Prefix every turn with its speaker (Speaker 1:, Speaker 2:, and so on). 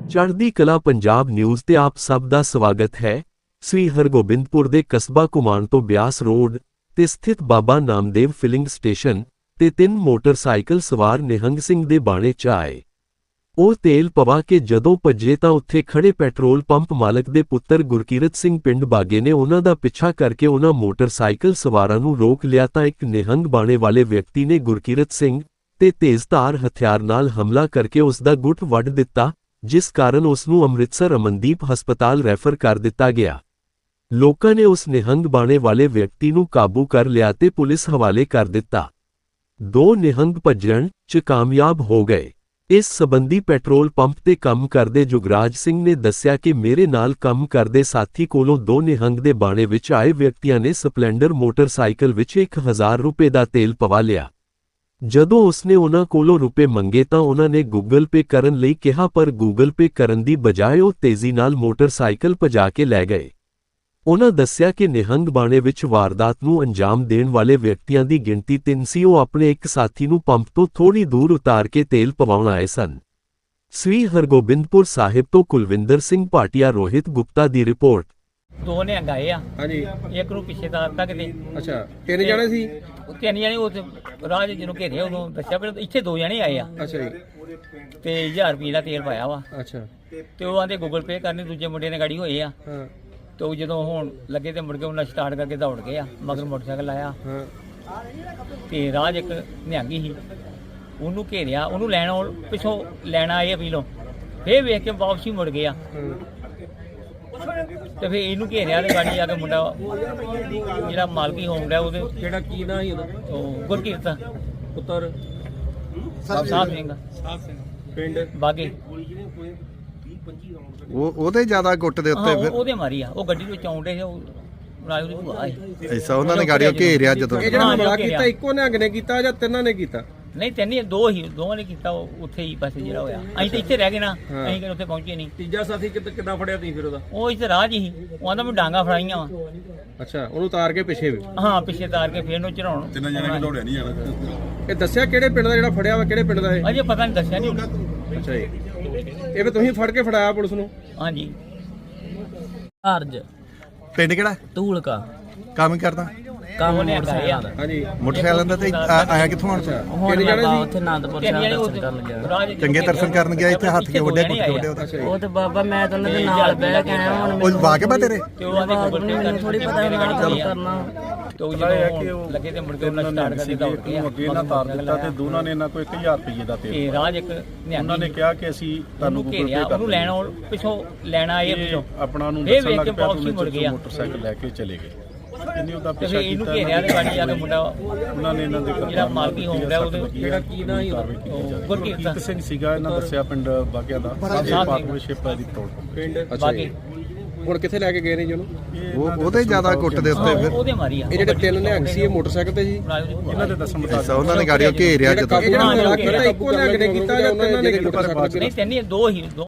Speaker 1: ਚੜ੍ਹਦੀ ਕਲਾ ਪੰਜਾਬ ਨਿਊਜ਼ ਤੇ ਆਪ ਸਭ ਦਾ ਸਵਾਗਤ ਹੈ। ਸ੍ਰੀ ਹਰਗੋਬਿੰਦਪੁਰ ਦੇ ਕਸਬਾ ਕੁਮਾਨ ਤੋਂ ਬਿਆਸ ਰੋਡ ਤੇ ਸਥਿਤ ਬਾਬਾ ਨਾਮਦੇਵ ਫਿਲਿੰਗ ਸਟੇਸ਼ਨ ਤੇ 3 ਮੋਟਰਸਾਈਕਲ ਸਵਾਰ ਨਿਹੰਗ ਸਿੰਘ ਦੇ ਬਾਣੇ 'ਚ ਆਏ। ਉਹ ਤੇਲ ਪਵਾ ਕੇ ਜਦੋਂ ਭੱਜੇ ਤਾਂ ਉੱਥੇ ਖੜੇ ਪੈਟਰੋਲ ਪੰਪ ਮਾਲਕ ਦੇ ਪੁੱਤਰ ਗੁਰਕੀਰਤ ਸਿੰਘ ਪਿੰਡ ਬਾਗੇ ਨੇ ਉਹਨਾਂ ਦਾ ਪਿੱਛਾ ਕਰਕੇ ਉਹਨਾਂ ਮੋਟਰਸਾਈਕਲ ਸਵਾਰਾਂ ਨੂੰ ਰੋਕ ਲਿਆ ਤਾਂ ਇੱਕ ਨਿਹੰਗ ਬਾਣੇ ਵਾਲੇ ਵਿਅਕਤੀ ਨੇ ਗੁਰਕੀਰਤ ਸਿੰਘ ਤੇ ਤੇਜ਼ਧਾਰ ਹਥਿਆਰ ਨਾਲ ਹਮਲਾ ਕਰਕੇ ਉਸ ਦਾ ਗੁੱਟ ਵੱਢ ਦਿੱਤਾ, ਜਿਸ ਕਾਰਨ ਉਸ ਨੂੰ ਅੰਮ੍ਰਿਤਸਰ ਅਮਨਦੀਪ ਹਸਪਤਾਲ ਰੈਫਰ ਕਰ ਦਿੱਤਾ ਗਿਆ। ਲੋਕਾਂ ਨੇ ਉਸ ਨਿਹੰਗ ਬਾਣੇ ਵਾਲੇ ਵਿਅਕਤੀ ਨੂੰ ਕਾਬੂ ਕਰ ਲਿਆ ਤੇ ਪੁਲਿਸ ਹਵਾਲੇ ਕਰ ਦਿੱਤਾ। 2 ਨਿਹੰਗ ਭੱਜਣ 'ਚ ਕਾਮਯਾਬ ਹੋ ਗਏ। ਇਸ ਸਬੰਧੀ ਪੈਟਰੋਲ ਪੰਪ ਤੇ ਕੰਮ ਕਰਦੇ ਜੁਗਰਾਜ ਸਿੰਘ ਨੇ ਦੱਸਿਆ ਕਿ ਮੇਰੇ ਨਾਲ ਕੰਮ ਕਰਦੇ ਸਾਥੀ ਕੋਲੋਂ 2 ਨਿਹੰਗ ਦੇ ਬਾਣੇ ਵਿੱਚ ਆਏ ਵਿਅਕਤੀਆਂ ਨੇ ਸਪਲੈਂਡਰ ਮੋਟਰਸਾਈਕਲ ਵਿੱਚ 1000 ਰੁਪਏ ਦਾ ਤੇਲ ਪਵਾ ਲਿਆ। ਜਦੋਂ ਉਸਨੇ ਉਹਨਾਂ ਕੋਲੋਂ ਰੁਪਏ ਮੰਗੇ ਤਾਂ ਉਹਨਾਂ ਨੇ ਗੂਗਲ ਪੇ ਕਰਨ ਲਈ ਕਿਹਾ, ਪਰ ਗੂਗਲ ਪੇ ਕਰਨ ਦੀ ਬਜਾਏ ਉਹ ਤੇਜ਼ੀ ਨਾਲ ਮੋਟਰਸਾਈਕਲ ਭਜਾ ਕੇ ਲੈ ਗਏ। ਉਹਨਾਂ ਦੱਸਿਆ ਕਿ ਨਿਹੰਗ ਬਾਣੇ ਵਿੱਚ ਵਾਰਦਾਤ ਨੂੰ ਅੰਜਾਮ ਦੇਣ ਵਾਲੇ ਵਿਅਕਤੀਆਂ ਦੀ ਗਿਣਤੀ 3 ਸੀ। ਉਹ ਆਪਣੇ ਇੱਕ ਸਾਥੀ ਨੂੰ ਪੰਪ ਤੋਂ ਥੋੜੀ ਦੂਰ ਉਤਾਰ ਕੇ ਤੇਲ ਪਵਾਉਣ ਆਏ ਸਨ। ਸ੍ਰੀ ਹਰਗੋਬਿੰਦਪੁਰ ਸਾਹਿਬ ਤੋਂ ਕੁਲਵਿੰਦਰ ਸਿੰਘ ਭਾਟੀਆ, ਰੋਹਿਤ ਗੁਪਤਾ ਦੀ ਰਿਪੋਰਟ।
Speaker 2: 2 ਨੇ ਗਏ ਆ
Speaker 3: ਹਾਂਜੀ,
Speaker 2: ਇੱਕ ਨੂੰ ਪਿੱਛੇ ਤਾਰ ਤੱਕ ਦੇ।
Speaker 3: ਅੱਛਾ 3 ਜਣੇ ਸੀ।
Speaker 2: ਉਹ 3 ਜਣੇ ਉਹ ਰਾਜ ਜਿਹਨੂੰ ਘੇਰੇ ਉਦੋਂ ਦੱਸਿਆ, ਪਰ ਇੱਥੇ 2 ਜਣੇ ਆਏ ਆ
Speaker 3: ਅੱਛਾ ਜੀ,
Speaker 2: ਤੇ 1000 ਰੁਪਏ ਦਾ ਤੇਲ ਪਾਇਆ ਵਾ।
Speaker 3: ਅੱਛਾ
Speaker 2: ਤੇ ਉਹ ਆਂਦੇ ਗੂਗਲ ਪੇ ਕਰਨੀ, ਦੂਜੇ ਮੁੰਡੇ ਨੇ ਗਾੜੀ ਹੋਏ ਆ।
Speaker 3: ਹਾਂ
Speaker 2: ਤੇ ਉਹ ਜਦੋਂ ਹੁਣ ਲੱਗੇ ਤੇ ਮੁੜ ਕੇ ਉਹਨਾਂ ਸਟਾਰਟ ਕਰਕੇ ਦੌੜ ਗਏ ਆ, ਮਗਰ ਮੋਟਰਸਾਈਕਲ ਆਇਆ
Speaker 3: ਹਾਂ
Speaker 2: ਤੇ ਰਾਜ ਇੱਕ ਨਿਹੰਗੀ ਸੀ, ਉਹਨੂੰ ਘੇਰਿਆ, ਉਹਨੂੰ ਲੈਣ ਪਿੱਛੋਂ ਲੈਣ ਆਏ ਅਪੀਲੋਂ, ਫੇਰ ਵੇਖ ਕੇ ਵਾਪਸੀ ਮੁੜ ਗਿਆ। ਤੇ ਫੇਰ ਇਹਨੂੰ ਘੇਰਿਆ ਤੇ ਗਾੜੀ ਆ ਕੇ ਮੁੰਡਾ ਜਿਹੜਾ ਮਾਲਕੀ ਹੋਮ ਰਿਹਾ ਉਹਦੇ
Speaker 3: ਕਿਹੜਾ ਕੀ ਨਾਂ ਸੀ ਉਹਦਾ?
Speaker 2: ਉਹ ਗੁਰਕੀਰਤ
Speaker 3: ਪੁੱਤਰ
Speaker 2: ਸਾਹਿਬ ਸਿੰਘ
Speaker 3: ਪਿੰਡ
Speaker 2: ਬਾਗੇ,
Speaker 4: ਉਹਦੇ ਜ਼ਿਆਦਾ ਗੁੱਟ ਦੇ ਉੱਤੇ ਫਿਰ
Speaker 2: ਉਹਦੇ ਮਾਰੀ ਆ। ਉਹ ਗੱਡੀ ਵਿੱਚ ਆਉਂਦੇ ਸੀ, ਉਹ ਰਾਜ ਦੀ ਭੂਆ ਸੀ।
Speaker 4: ਐਸਾ ਉਹਨਾਂ ਨੇ ਗਾੜੀਓ ਘੇਰਿਆ ਜਦੋਂ।
Speaker 3: ਇਹ ਜਿਹੜਾ
Speaker 2: ਹਾਂ,
Speaker 3: ਹਮਲਾ
Speaker 2: ਘੇਰਿਆ।
Speaker 3: ਕੀਤਾ ਇੱਕੋ ਨਿਹੰਗ ਨੇ ਕੀਤਾ ਜਾਂ ਤਿੰਨਾਂ ਨੇ ਕੀਤਾ?
Speaker 2: ਨਹੀਂ 3 ਹੀ 2 ਹੀ, ਦੋਵਾਂ ਨੇ ਕੀਤਾ। ਉਹ ਉੱਥੇ ਹੀ ਬਸ ਜਿਹੜਾ ਹੋਇਆ, ਅਸੀਂ ਤਾਂ ਇੱਥੇ ਰਹਿ ਗਏ ਨਾ, ਅਸੀਂ ਕਿ ਉੱਥੇ ਪਹੁੰਚੇ ਨਹੀਂ।
Speaker 3: ਤੀਜਾ ਸਾਥੀ ਕਿੱਦਾਂ ਫੜਿਆ ਤੁਸੀਂ ਫਿਰ ਉਹਦਾ?
Speaker 2: ਉਹ ਇੱਥੇ ਰਾਜ ਹੀ ਉਹ ਆਂਦਾ ਮੈਂ ਡਾਂਗਾ ਫੜਾਈਆਂ ਵਾ।
Speaker 3: ਅੱਛਾ, ਉਹਨੂੰ ਉਤਾਰ ਕੇ ਪਿੱਛੇ ਵੀ?
Speaker 2: ਹਾਂ, ਪਿੱਛੇ ਤਾਰ ਕੇ ਫੇਰ ਨੂੰ ਚੜਾਉਣ।
Speaker 5: 3 ਜਣੇ ਵੀ ਦੌੜਿਆ ਨਹੀਂ ਜਾਣਾ।
Speaker 3: ਇਹ ਦੱਸਿਆ ਕਿਹੜੇ ਪਿੰਡ ਦਾ ਜਿਹੜਾ ਫੜਿਆ ਵਾ, ਕਿਹੜੇ ਪਿੰਡ ਦਾ ਇਹ?
Speaker 2: ਅਜੇ ਪਤਾ ਨਹੀਂ, ਦੱਸਿਆ ਨਹੀਂ ਉਹਨੇ।
Speaker 3: ਅੱਛਾ ਜੀ, ਇਹ ਵੀ ਤੁਸੀਂ ਫੜ ਕੇ ਫੜਾਇਆ ਪੁਲਿਸ ਨੂੰ?
Speaker 2: ਹਾਂਜੀ। ਅਰਜ
Speaker 4: ਪਿੰਡ ਕਿਹੜਾ?
Speaker 2: ਧੂਲਕਾ
Speaker 4: ਕੰਮ ਹੀ ਕਰਦਾ?
Speaker 2: ਕੰਮ ਮੋਟਰਸਾਈਕਲ ਦਾ।
Speaker 3: ਹਾਂਜੀ,
Speaker 4: ਮੋਟਰਸਾਈਕਲ ਦਾ ਤੇ ਆਇਆ ਕਿੱਥੋਂ ਹੁਣ?
Speaker 3: ਕਿਹੜੇ ਜਣੇ ਸੀ?
Speaker 6: ਉੱਥੇ ਆਨੰਦਪੁਰ ਸਾਹਿਬ ਦਰਸ਼ਨ ਕਰਨ ਗਿਆ।
Speaker 4: ਚੰਗੇ ਦਰਸ਼ਨ ਕਰਨ ਗਿਆ, ਇੱਥੇ ਹੱਥ ਕੇ ਵੱਡੇ ਗੁੱਟ ਵੱਡੇ ਉਹਦਾ।
Speaker 6: ਉਹ ਤੇ ਬਾਬਾ ਮੈਂ ਤਾਂ ਉਹਨਾਂ ਦੇ ਨਾਲ ਬਹਿ ਕੇ ਆਇਆ। ਹੁਣ
Speaker 4: ਉਹ ਵਾਕਿਆ ਤੇਰੇ?
Speaker 2: ਤੇ ਉਹ ਆਂਦੇ ਗੂਗਲ ਪੇ
Speaker 6: ਮੈਨੂੰ ਥੋੜੀ ਪਤਾ ਨਾਲ ਗੱਲ ਕਰਨਾ।
Speaker 2: ਤੇ ਉਹ ਜਦੋਂ ਲੱਗੇ ਤੇ ਮੁੜ ਕੇ ਉਹਨਾਂ ਸਟਾਰਟ ਕਰਕੇ ਦੌੜ ਗਏ।
Speaker 5: ਅੱਗੇ ਇਹਨਾਂ ਤਾਰ ਦਿੱਤਾ ਤੇ ਦੋਨਾਂ ਨੇ ਇਹਨਾਂ ਕੋਲ 1000 ਰੁਪਏ ਦਾ ਤੇਲ।
Speaker 2: ਤੇ ਰਾਜ ਇੱਕ
Speaker 5: ਉਹਨਾਂ ਨੇ ਕਿਹਾ ਕਿ ਅਸੀਂ ਤੁਹਾਨੂੰ ਗੂਗਲ
Speaker 2: ਘੇਰਿਆ,
Speaker 5: ਪੇ ਕਰ
Speaker 2: ਉਹਨੂੰ ਲੈਣ ਪਿੱਛੋਂ ਲੈਣ ਆਏ ਪਿੱਛੋਂ,
Speaker 5: ਆਪਣਾ ਨੂੰ
Speaker 2: ਫੇਰ
Speaker 5: ਦੱਸਣ
Speaker 2: ਵੇਖ
Speaker 5: ਲੱਗ
Speaker 2: ਕੇ
Speaker 5: ਪਿਆ
Speaker 2: ਵਾਪਸੀ ਮੁੜ ਗਿਆ।
Speaker 5: ਮੋਟਰਸਾਈਕਲ ਲੈ ਕੇ ਚਲੇ ਗਏ। ਇਹਨੇ ਉਹਦਾ
Speaker 2: ਤੇ
Speaker 5: ਪਿੱਛਾ
Speaker 2: ਫੇਰ ਇਹਨੂੰ
Speaker 5: ਕੀਤਾ,
Speaker 2: ਘੇਰਿਆ ਤੇ ਗਾੜੀ ਆ ਕੇ ਮੁੰਡਾ
Speaker 5: ਉਹਨਾਂ ਨੇ ਇਹਨਾਂ ਦੇ
Speaker 2: ਜਿਹੜਾ ਮਾਲਕੀ ਹੋਮ ਰਿਹਾ ਉਹਦੇ
Speaker 3: ਕਿਹੜਾ ਕੀ ਨਾਂ ਸੀ ਉਹਦਾ?
Speaker 2: ਗੁਰਕੀਰਤ
Speaker 5: ਸਿੰਘ ਸੀਗਾ, ਇਹਨਾਂ ਦੱਸਿਆ ਪਿੰਡ ਬਾਗਿਆ ਦਾ। ਪਾਰਟਨਰਸ਼ਿਪ ਹੈ ਦੀ ਪੈਟਰੋਲ ਪੰਪ।
Speaker 3: ਪਿੰਡ ਅੱਛਾ
Speaker 2: ਬਾਗੇ।
Speaker 3: ਜੀ, ਹੁਣ ਕਿੱਥੇ ਲੈ ਕੇ ਗਏ ਨੇ ਜੀ ਉਹਨੂੰ?
Speaker 4: ਉਹਦੇ ਜ਼ਿਆਦਾ ਗੁੱਟ ਦੇ ਉੱਤੇ ਫਿਰ।
Speaker 2: ਉਹਦੇ ਮਾਰੀ ਆ।
Speaker 3: ਇਹ ਜਿਹੜੇ 3 ਨਿਹੰਗ ਸੀ ਇਹ ਮੋਟਰਸਾਈਕਲ ਤੇ ਜੀ?
Speaker 2: ਰਾਜ ਦੀ ਭੂਆ
Speaker 5: ਇਹਨਾਂ ਦੇ ਦੱਸਣ ਮੁਤਾਬਕ
Speaker 4: ਐਸਾ ਉਹਨਾਂ ਨੇ ਗਾੜੀਓ ਘੇਰਿਆ ਜਦੋਂ।
Speaker 3: ਇਹ ਜਿਹੜਾ ਹਮਲਾ ਕੀਤਾ ਇੱਕੋ ਨਿਹੰਗ ਨੇ ਕੀਤਾ ਜਾਂ ਤਿੰਨਾਂ ਨੇ ਕੀਤਾ?
Speaker 2: ਨਹੀਂ 3 ਹੀ 2 ਹੀ